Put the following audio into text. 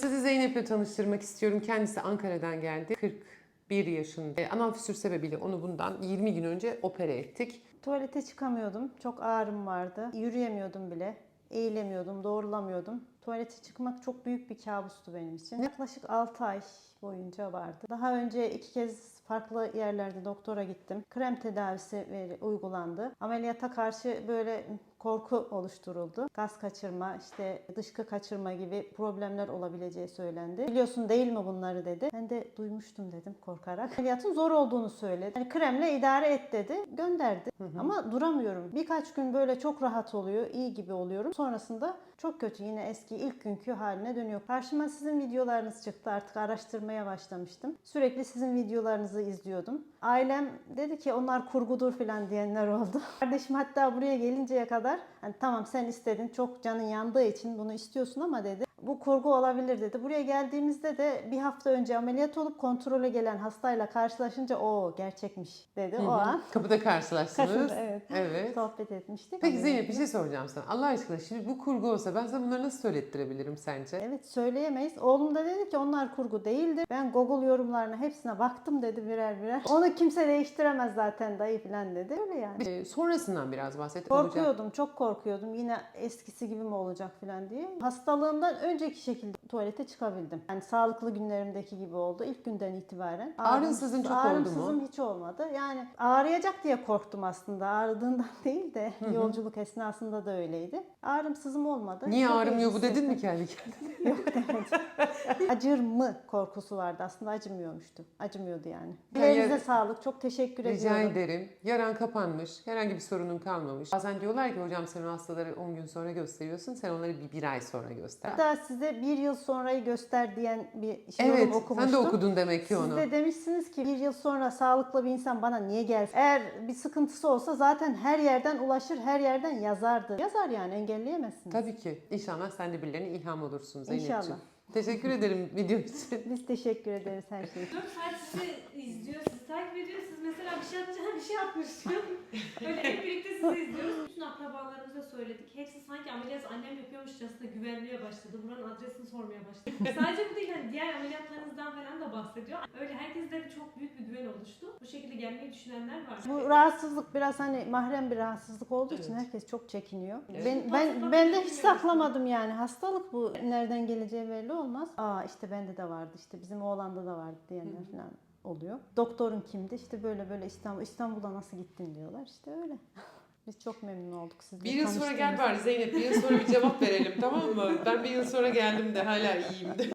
sizi Zeynep'le tanıştırmak istiyorum. Kendisi Ankara'dan geldi. 41 yaşında. Anal fissür sebebiyle onu bundan 20 gün önce opere ettik. Tuvalete çıkamıyordum. Çok ağrım vardı. Yürüyemiyordum bile. Eğilemiyordum, doğrulamıyordum. Tuvalete çıkmak çok büyük bir kabustu benim için. Yaklaşık 6 ay boyunca vardı. Daha önce 2 kez farklı yerlerde doktora gittim. Krem tedavisi uygulandı. Ameliyata karşı böyle korku oluşturuldu. Gaz kaçırma, işte dışkı kaçırma gibi problemler olabileceği söylendi. Biliyorsun değil mi bunları dedi. Ben de duymuştum dedim korkarak. Ameliyatın zor olduğunu söyledi. Yani kremle idare et dedi. Gönderdi. Ama duramıyorum. Birkaç gün böyle çok rahat oluyor. İyi gibi oluyorum. Sonrasında çok kötü. Yine eski ilk günkü haline dönüyor. Karşıma sizin videolarınız çıktı. Artık araştırmaya başlamıştım. Sürekli sizin videolarınızı izliyordum. Ailem dedi ki onlar kurgudur falan diyenler oldu. Kardeşim hatta buraya gelinceye kadar hani tamam sen istedin, çok canın yandığı için bunu istiyorsun ama dedi bu kurgu olabilir dedi. Buraya geldiğimizde de bir hafta önce ameliyat olup kontrole gelen hastayla karşılaşınca o gerçekmiş dedi. O an Kapıda karşılaştınız. evet. Evet. Sohbet etmiştik. Peki Zeynep bir şey soracağım sana. Allah aşkına şimdi bu kurgu olsa ben sana bunları nasıl söylettirebilirim sence? Evet söyleyemeyiz. Oğlum da dedi ki onlar kurgu değildir. Ben Google yorumlarına hepsine baktım dedi birer birer. Onu kimse değiştiremez zaten dayı falan dedi. Öyle yani. Sonrasından biraz bahset. Korkuyordum, çok korkuyordum. Yine eskisi gibi mi olacak falan diye. Hastalığımdan önceki şekilde tuvalete çıkabildim. Yani sağlıklı günlerimdeki gibi oldu. İlk günden itibaren. Ağrınsızın çok oldu mu? Ağrımsızım hiç olmadı. Yani ağrıyacak diye korktum aslında. Ağrıdığından değil de yolculuk esnasında da öyleydi. Ağrımsızım olmadı. Niye Çok ağrımıyor iyi bu dedin mi hissettim. kendi kendine? Yok demedim. Acır mı korkusu vardı. Aslında acımıyormuştu. Acımıyordu yani. Yani Ellerinize sağlık. Çok teşekkür Rica ediyorum. ederim. Yaran kapanmış. Herhangi bir sorunun kalmamış. Bazen diyorlar ki hocam sen o hastaları 10 gün sonra gösteriyorsun. Sen onları bir ay sonra göster. Hatta size bir yıl sonrayı göster diyen bir Evet, yorum okumuştum. sen de okudun demek ki onu. Siz de demişsiniz ki bir yıl sonra sağlıklı bir insan bana niye gelsin? Eğer bir sıkıntısı olsa zaten her yerden ulaşır, her yerden yazardı. Yazar yani engelleyemezsiniz. Tabii ki. İnşallah sen de birilerine ilham olursun Zeynep'ciğim. İnşallah. Teşekkür ederim video için. Biz teşekkür ederiz her şey için. 4 saat sizi izliyor, sizi takip ediyor. Siz mesela bir şey atacağım, bir şey atmışsın. Böyle hep birlikte sizi izliyoruz. Bütün akrabalarımıza söyledik. Hepsi sanki ameliyat annem yapıyormuşçasına güvenmeye başladı. Buranın adresini sormaya başladı. Sadece bu değil, hani diğer ameliyatlarınızdan falan da bahsediyor. Öyle herkeste çok büyük bir güven oluştu. Bu şekilde gelmeyi düşünenler var. Bu rahatsızlık biraz hani mahrem bir rahatsızlık olduğu için herkes çok çekiniyor. Evet. Ben de hiç saklamadım yani. Hastalık bu. Nereden geleceği belli olmaz. Aa işte bende de vardı, işte bizim oğlanda da vardı diyenler falan oluyor. Doktorun kimdi? İşte böyle böyle İstanbul'a nasıl gittin diyorlar. İşte öyle. Biz çok memnun olduk sizle Bir yıl sonra gel tanıştığımıza. bari Zeynep. Bir yıl sonra bir cevap verelim tamam mı? Ben bir yıl sonra geldim de hala iyiyim de.